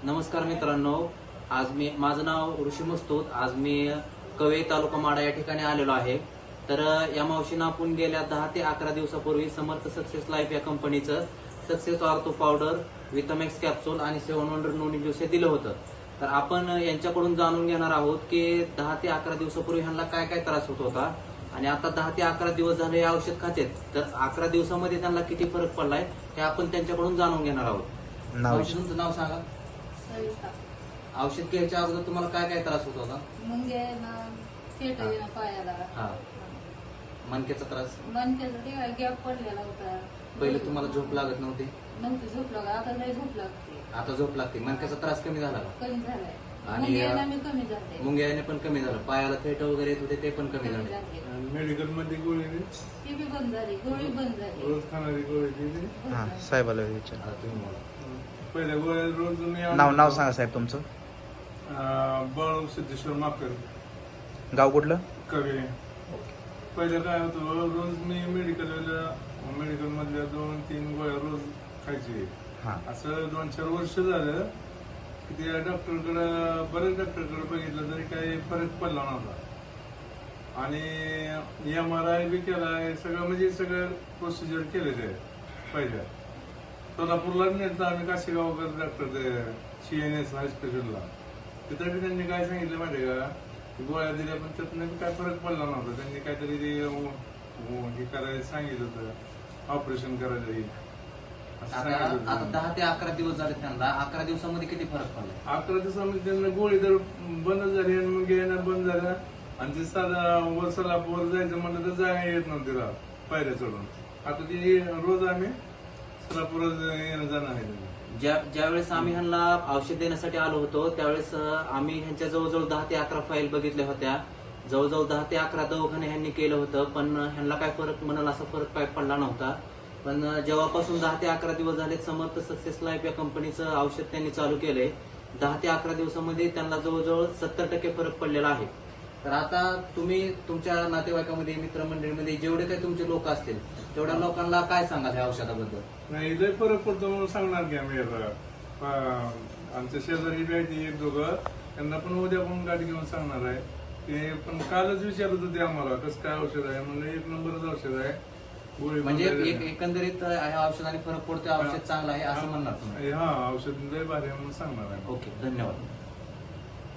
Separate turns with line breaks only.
नमस्कार मित्रांनो, आज माझं नाव ऋषी मस्तूत. आज मी कवे तालुका माडा या ठिकाणी आलेलो आहे. तर या मावशीनं आपण गेल्या 10 ते 11 दिवसापूर्वी समर्थ सक्सेस लाईफ या कंपनीचं success ortho powder, Vitamax capsule आणि 7 वंडर नोनी ज्यूस हे दिलं होतं. तर आपण यांच्याकडून जाणून घेणार आहोत की 10 ते 11 दिवसापूर्वी ह्यांना काय काय त्रास होत होता आणि आता 10 ते 11 दिवस झाले हे औषध खातेत. तर 11 दिवसामध्ये त्यांना किती फरक पडलाय हे आपण त्यांच्याकडून जाणून घेणार आहोत. तुमचं नाव सांगा. औषध घ्यायच्या अगोदर तुम्हाला काय काय त्रास होत होता?
पायाला
हा, मणक्याचा त्रास.
मणक्याचा गॅप पडलेला होता.
पहिले तुम्हाला झोप लागत नव्हती,
झोप लागत, आता नाही झोप लागते.
आता झोप लागते. मणक्याचा त्रास कमी झाला
कमी झालाय
आणि
कमी झाले.
मुंग्याने पण कमी झालं. पायाला फेट वगैरे येत होते ते पण कमी झाले.
मेडिकल मध्ये गोळी
ती बी बंद झाली, गोळी बंद झाली.
रोज खाणारी गोळी दिली.
साहेबाला विचार.
आता तुम्ही बोला.
पहिल्या गोळ्या रोज मी
नाव सांगा साहेब तुमचं.
बाळू सिद्धेश्वर माकर,
गाव कुठलं?
कवे. पहिलं काय होतं, रोज मी मेडिकल मधल्या 2-3 गोळ्या रोज खायची. असं 2-4 वर्ष झालं की त्या डॉक्टरकडे, बरेच डॉक्टरकडे बघितलं तरी काही फरक पडला नव्हता. आणि MRI बी केलाय, सगळं प्रोसिजर केलेलं आहे. पहिल्या सोलापूरला नेलं आम्ही, काशीगावकर डॉक्टर CNS हॉस्पिटलला. तिथे बी त्यांनी काय सांगितलं माहिती का, गोळ्या दिल्या पण त्यातनं काय फरक पडला नव्हता. त्यांनी काहीतरी हे करायला सांगितलं होतं, ऑपरेशन करायचं.
आता 10 ते 11 दिवस झाले त्यांना. 11 दिवसामध्ये किती फरक पडला?
11 दिवसामध्ये त्यांना गोळी तर बंद झाली आणि मग येणं बंद झालं. आणि ते साधा सोलापूर जायचं म्हणलं तर जायला येत नव्हतं तिला पायऱ्या चढून. आता ती रोज आम्ही सोलापूर येणं जाणं आहे.
ज्यावेळेस आम्ही ह्यांना औषध देण्यासाठी आलो होतो त्यावेळेस आम्ही ह्यांच्या जवळजवळ 10 ते 11 फाईल बघितल्या होत्या. जवळजवळ 10 ते 11 दवाखाने ह्यांनी केलं होतं, पण ह्यांना काय फरक म्हणाल असा फरक काय पडला नव्हता. पण जेव्हापासून 10 ते 11 दिवस झाले समर्थ सक्सेस लाईफ या कंपनीचं औषध त्यांनी चालू केलंय, 10 ते 11 दिवसामध्ये त्यांना जवळजवळ 70% फरक पडलेला आहे. तर आता तुम्ही तुमच्या नातेवाईकामध्ये, मित्रमंडळीमध्ये जेवढे काही तुमचे लोक असतील तेवढ्या लोकांना काय सांगाल या औषधाबद्दल?
नाही, लय फरक पडतो म्हणून सांगणार की आम्ही. आमच्या शेजारी भेटी 1-2, त्यांना पण उद्या पण गाडी घेऊन सांगणार आहे. ते पण कालच विचारत होते आम्हाला कसं काय औषध आहे. म्हणजे 1 नंबरच औषध आहे.
म्हणजे एकंदरीत ह्या औषधाने फरक पडतो, औषध चांगलं आहे असं म्हणणार तुम्ही?
हा, औषध लय भारी आहे म्हणून सांगणार आहे.
ओके, धन्यवाद.